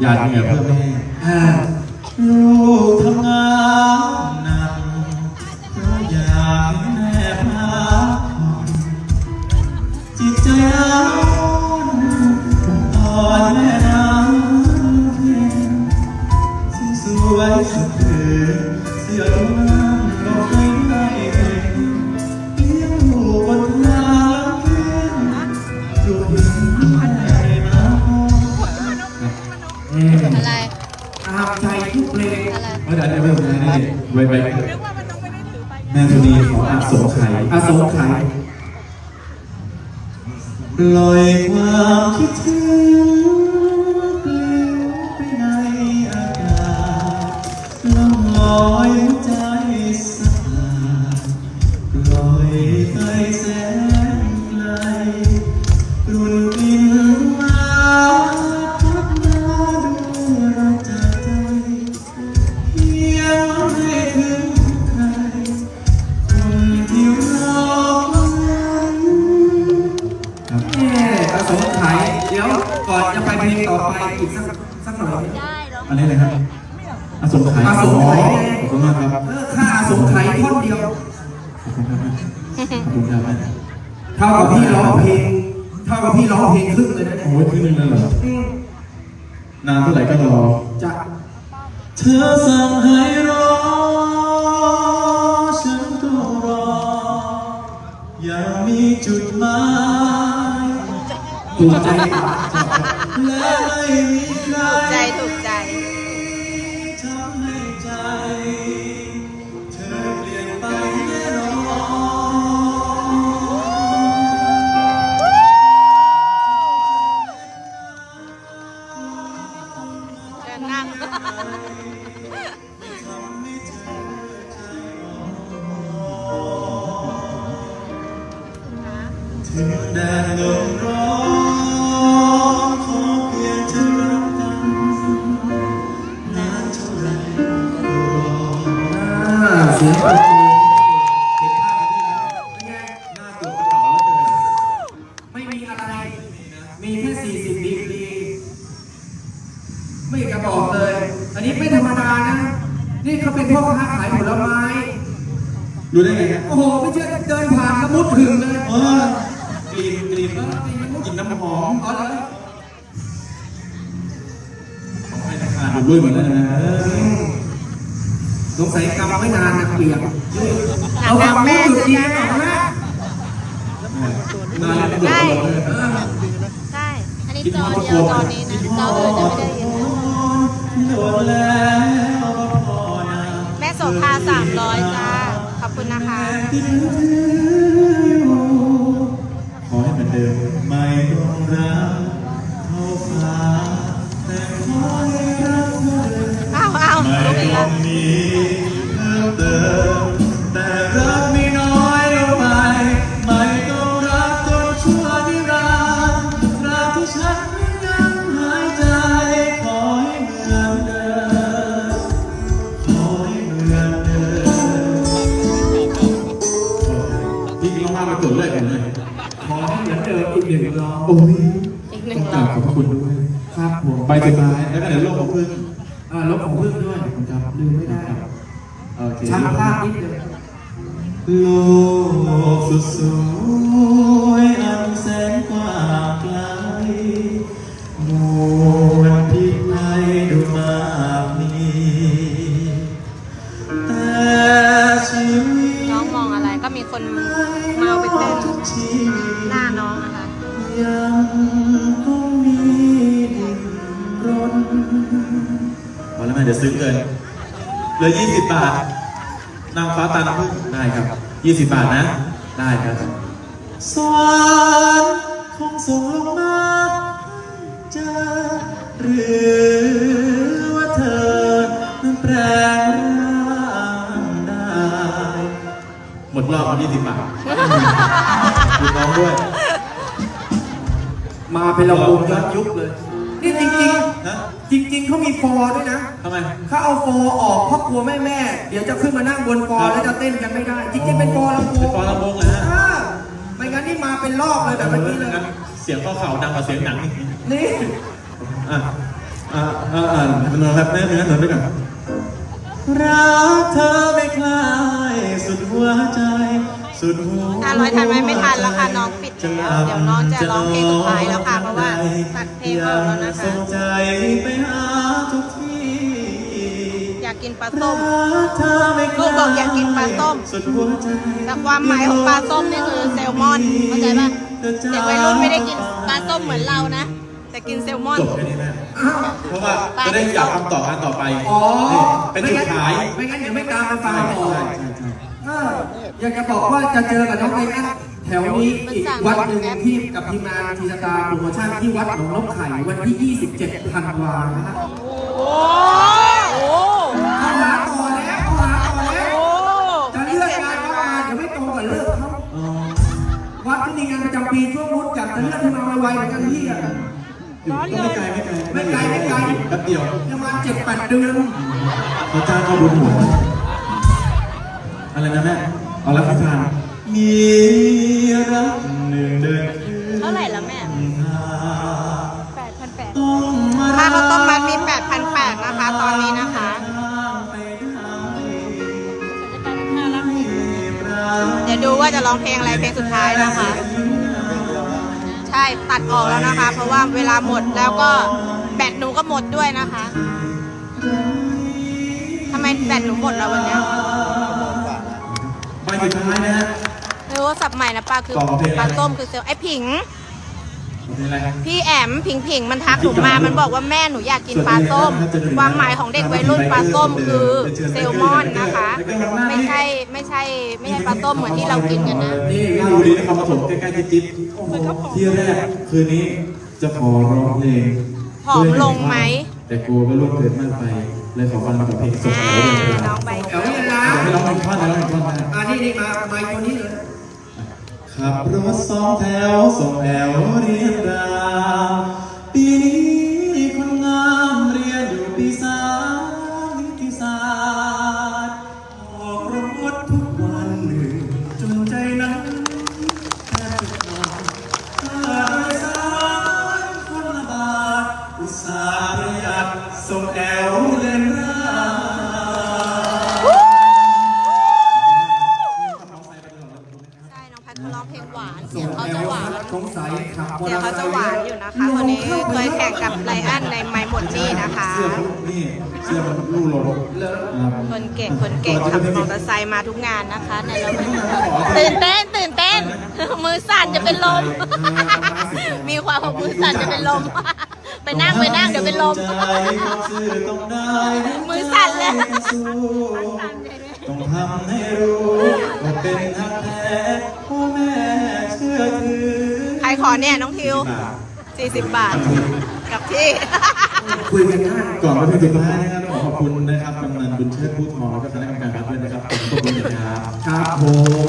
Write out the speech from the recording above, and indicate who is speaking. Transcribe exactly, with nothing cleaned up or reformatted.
Speaker 1: หยาดเหงื่อเพื่อแม่ลูกทำงานหนักเพราะอยากให้แม่พักผ่อนจิตใจร้อนอ่อนแม่น้ำเพ็ญสวยสุดเถิดเสียงน้ำลงไม่ได้เองเลี้ยงลูกบนทางเข็นจูบแม่น้ำ
Speaker 2: อะไร
Speaker 3: ตามใจทุกเพลง
Speaker 2: อะไร
Speaker 1: ไม่ได้ไม่ได้ไม่ได้ไว้ไว้แม่สุนีขออาสงไขย
Speaker 3: อาสงไขย
Speaker 1: ปล่อยความคิดถึงปลิวไปในอากาศล่องลอยหัวใจสักลาปล่อยไปแสนไกลรุ่นกินมาพัดมาด้วยรักจากใจเพียงไม่ถึงใครคนที่รอวัน
Speaker 3: แม่อาสงไขยเดี๋ยวก่อนจะไปเพลงต่อไปอีกสักสักหน่อย
Speaker 2: ได้หรอ
Speaker 1: อันนี้เลยครับอาสงไขย
Speaker 3: อาสงไขย
Speaker 1: ขอบคุณมากครับ
Speaker 3: เออค่าอาสงไขยท่อนเดียว
Speaker 1: ขอบคุณครับขอบคุณครับแม่
Speaker 3: เท่ากับพี่ร้องเพลงเท่ากับพี่ร้องเพลงครึ่งเลยนะเนี่ย
Speaker 1: โอ้ยครึ่งนึงเลยเหรอ
Speaker 3: อืม
Speaker 1: นานเท่าไหร่ก็รอ
Speaker 3: จะ
Speaker 1: เธอสั่งให้รอฉันก็รออย่ามีจุดหมาย
Speaker 3: ถูกใจปะ
Speaker 1: และไม่มีใคร
Speaker 2: ใจถูกใจ
Speaker 1: ทำให้ใจเธอเปลี่ยนไปแน่นอน
Speaker 2: เดินนั่ง
Speaker 1: ถึงแดดลมร้อนขอเพียงเธอรักกันนานเท่าไรก็รอ
Speaker 3: อ่าเสียงปรบมือเห็นภาพกันที่แล้วเป็นไง
Speaker 1: หน้าตัวกระเป๋าแล้วเกิน
Speaker 3: ไม่มีอะไร มีแค่สี่สิบดีกรีไม่กระบอกเลย อันนี้ไม่ธรรมดานะ นี่เขาเป็นพ่อค้าขายผลไม้
Speaker 1: รู้ได้ไงครับ
Speaker 3: โอ้โห ไม่เชื่อเดินผ่านแล้วมุดถึงเลย
Speaker 1: เออกลิ่นกลิ่นกลิ่นน้ำหอม
Speaker 3: อ๋อเหรอ
Speaker 1: ของใครจะขาดอยู่ด้วยเหมือนกันนะ
Speaker 3: สงสัยกำไม่นานนะเปียก
Speaker 2: หนั
Speaker 3: เอา
Speaker 2: ก
Speaker 3: วาง
Speaker 2: แม่
Speaker 3: มือจุดดีหน่อยนะ
Speaker 1: นานแล้วเดือดร้อนเลย
Speaker 2: ใช่ อันนี้จอเดียวจอนี้นะจออื่นจะไม่ได้ยินนะ
Speaker 1: โดนแล้วพอนะ
Speaker 2: แม่โสภาสามร้อยจ้า ขอบคุณนะคะ
Speaker 1: ขอให้เหมือนเดิมไม่ต้องรักเท่าฟ้าแต่ขอให้รักเธอ
Speaker 2: อ้าวอ้าว
Speaker 1: ไม่
Speaker 2: ลุกอีก
Speaker 1: ต้
Speaker 2: แล้
Speaker 1: อ
Speaker 2: ว
Speaker 1: งมีเพิ่มเติมแต่รักไม่น้อยลงไปไม่ต้องรักจนชั่วนิรันดร์ตราบที่ฉันยังหายใจขอให้เหมือนเดิมขอให้เหมือนเดิมจริงๆลองมาเป็นตัวเลขกันเลย
Speaker 3: ขอให้เหมือนเดิมอีกหนึ่งรอบ
Speaker 1: โอ้ย
Speaker 2: อีกหนึ่
Speaker 1: ต้
Speaker 2: ง
Speaker 1: อง
Speaker 2: ร
Speaker 1: ก
Speaker 2: อ
Speaker 1: ราบบ ขอบพระคุณด้วย
Speaker 3: ครับผม
Speaker 1: ใบสุดท้ายแล้วก็เดี๋ยวโลกของพึ่ง
Speaker 3: อ่าลบของพึ่งด้วย
Speaker 1: ครับ
Speaker 3: ลืมไม่ได้
Speaker 1: โอเค
Speaker 3: ช่างภาพนิดเดียว
Speaker 1: โลกสุดสวยอันแสนกว้างไกลมวลพิไลดูมากมีแต่ชีวิต
Speaker 2: น้องมองอะไรก็มีคนมาเอาไปเต้น
Speaker 1: ทุกชีวิต
Speaker 2: หน้าน้องนะคะ
Speaker 1: ยังต้องมีดิ้นรนพอแล้วแม่เดี๋ยวซื้อเกินเหลือยี่สิบบาทนางฟ้าตาน้ำผึ้งได้ครับยี่สิบบาทนะ ได้ครับสวรรค์คงส่งลงมาเจอหรือว่าเธอนั้นแปลงร่างได้ หมดรอบยี่สิบบาทคุณน้องด้วย
Speaker 3: มาเป็นระบบย้อนยุคเลย นี่จริง
Speaker 1: นะ
Speaker 3: ๆ จริง ๆเขามีฟอร์ด้วยนะ
Speaker 1: ทำไม
Speaker 3: เขาเอาฟอร์ออกเพราะกลัวแม่แม่ๆเดี๋ยวจะขึ้นมานั่งบนฟอร์แล้วจะเต้นกันไม่ได้ จริงๆเป็นฟอร์ลำโพ
Speaker 1: เป็น
Speaker 3: ง
Speaker 1: ฟอร์ลำโพงเลยฮะ
Speaker 3: อ่าไม่งั้นนี่มาเป็นรอบเลยแบบเมื่อกี้เลย
Speaker 1: งั้นเสียงข้อเข่าดังกว่าเสียงหนังอีก
Speaker 3: นี่
Speaker 1: อ่ะอ่าอ่าอ่ามันนอนแบบแม่เนื้อหนุนด้วยกันรักเธอไม่คลายสุดหัวใจสุดหัว
Speaker 2: ห้าร้อยทันไหมไม่ทันแล้วค่ะน้องปิดแล้วเดี๋ยวน้องจะร้องเพลงสุดท้ายแล้วค่ะเพราะว่าตัดเพลงออกแล้วนะคะ
Speaker 1: ส่งใจไปหาทุกที่
Speaker 2: อยากกินปลาส้ม
Speaker 1: รักเธอไม่ค
Speaker 2: ลูกบอกอยากกินปลาส้ม
Speaker 1: สุดหัวใจ
Speaker 2: แต่ความหมายของปลาส้มนี่คือแซลมอนเข้าใจป่ะเด็กวัยรุ่นไม่ได้กินปลาส้มเหมือนเรานะ แต่กินแซลมอน
Speaker 1: จบแค่นี้แม่เพราะว่าจะได้อยากคำตอบกันต่อไป
Speaker 3: อ๋อ
Speaker 1: นี่เป็นจุดขาย
Speaker 3: ไม่งั้นเดี๋ยวไม่ตามไปฟัง
Speaker 1: ใช่
Speaker 3: ต่อ
Speaker 1: ใช่ใช่ใช่
Speaker 3: เอออยากจะบอกว่าจะเจอกับน้องไอ้นั่นแถวนี้อีกวัดหนึ่งที่กับทีมงานทีสตาร์โปรโมชั่นที่วัดหนองนกไข่วันที่ ยี่สิบเจ็ด ธันวาคมนะฮะ
Speaker 2: โอ้โห
Speaker 3: เอาหาต่อแล้วเอาหาต่อแล้ว
Speaker 2: โอ้
Speaker 3: จะเลื่อนงานเข้ามาเดี๋ยวไม่ตรงกับเลิกเขา
Speaker 1: อ๋อ
Speaker 3: วัดที่มีงานประจำปีช่วงนู้นอยากจะเลื่อนให้มาไวๆเหมือนกันพี่อะ
Speaker 1: อยู่ก็ไม่ไกลไม่ไกล
Speaker 3: ไม่ไกลไม่ไกล
Speaker 1: แป๊บเดียว
Speaker 3: ประมาณเจ็ดแปดเดือน
Speaker 1: เขาจ้างเขาบุญหัวอะไรนะแม่เอาละพิธานมีรักหนึ่งเดิน
Speaker 2: เท่าไหร่ละแม่
Speaker 1: หา
Speaker 2: แปดพันแปด
Speaker 1: ต้องมา
Speaker 2: ค่าข้าวต้มมัดมีแปดพันแปดนะคะ ตอนนี้นะคะ เดี๋ยวดูว่าจะร้องเพลงอะไรเพลงสุดท้ายนะคะ ใช่ตัดออกแล้วนะคะ เพราะว่าเวลาหมดแล้วก็แบตหนูก็หมดด้วยนะคะทำไมแบตหนูหมดแล้ววันเนี้ย
Speaker 1: ไปสุดท้ายนะฮะ
Speaker 2: ไม่รู้ว่าสับใหม่นะป้าคือ
Speaker 1: ต่อเพลงอะไร
Speaker 2: ปลาต้มคือเซลล์ไอ้ผิง
Speaker 1: เป็นอะไร
Speaker 2: พี่แอมผิงผิงมันทักหนูมา มันบอกว่าแม่หนูอยากกินปลาส้ม ความหมายของเด็กวัยรุ่นปลาส้มคือเซลมอนนะคะ ไม่ใช่ไม่ใช่ไม่ใช่ปลาส้มเหมือนที่เรากินกันนะ
Speaker 1: นี่ราชบุรีนครปฐมใกล้ๆจิ๊บจิ๊บที่แรกคืนนี้จะขอร้องเพลง
Speaker 2: ผอมลงไหม
Speaker 1: แต่กลัวว่าลูกเกิดมากไป เลยขอฟังกับเพลงสด
Speaker 2: อ่า
Speaker 1: ๆเลย
Speaker 2: น้องใบ
Speaker 3: แถวนี้นะ
Speaker 1: อยากให้ร้องหนึ่งท่อนนะร้องหนึ่งท่อนนะ
Speaker 3: อ่านี่นี่มาไมค์ตัวนี้เลย
Speaker 1: ขับรถสองแถวส่งแอวเรียนรามปีนี้คนงามเรียนอยู่ปีสามนิติศาสตร์ออกรถทุกวันหนึ่งจนใจนั้นแทบจะขาดค่าโดยสารคนละบาทอุตส่าห์ประหยัดส่งแอวเรียนราม
Speaker 2: ใช่ น้องแพทเขาร้องเพลงหวาน เสียงเขาจะหวาน
Speaker 3: สงสัยขับมอ
Speaker 2: เสีย
Speaker 3: เต
Speaker 2: ง
Speaker 3: อร์ไซ
Speaker 2: เขา
Speaker 3: ค์
Speaker 2: จะหวานอยู่นะคะคนนี้เคยแข่งกับไลอ้อนในไมหมดนี่นะคะ
Speaker 1: เสื้อมันนี่เสื้อมันลู่ลมครับ
Speaker 2: คนเก่งคนเก่งขับมอเตอร์ไซค์มาทุกงานนะคะในเราตื่นเต้นตื่นเต้น มือสั่นจะเป็นลม มีความว่ามือสั่นจะเป็นลม ไปนั่งไปนั่งเดี๋ยวเป็นลม มือสั่นเลย
Speaker 1: ต้องทำให้รู้ว่าเป็นทักแท้พ่อแม่เชื่อถือ
Speaker 2: ใครขอเนี่ยน้องทิว สี่สิบบาท กับที่
Speaker 3: คุยกันได้
Speaker 1: ก่อนไปถึงสุดท้ายนะครับขอขอบคุณนะครับกำนันบุญเชิดผู้ทองและก็คณะกรรมการวัดด้วยนะครับผมขอบคุณนะครับ
Speaker 3: ครับผม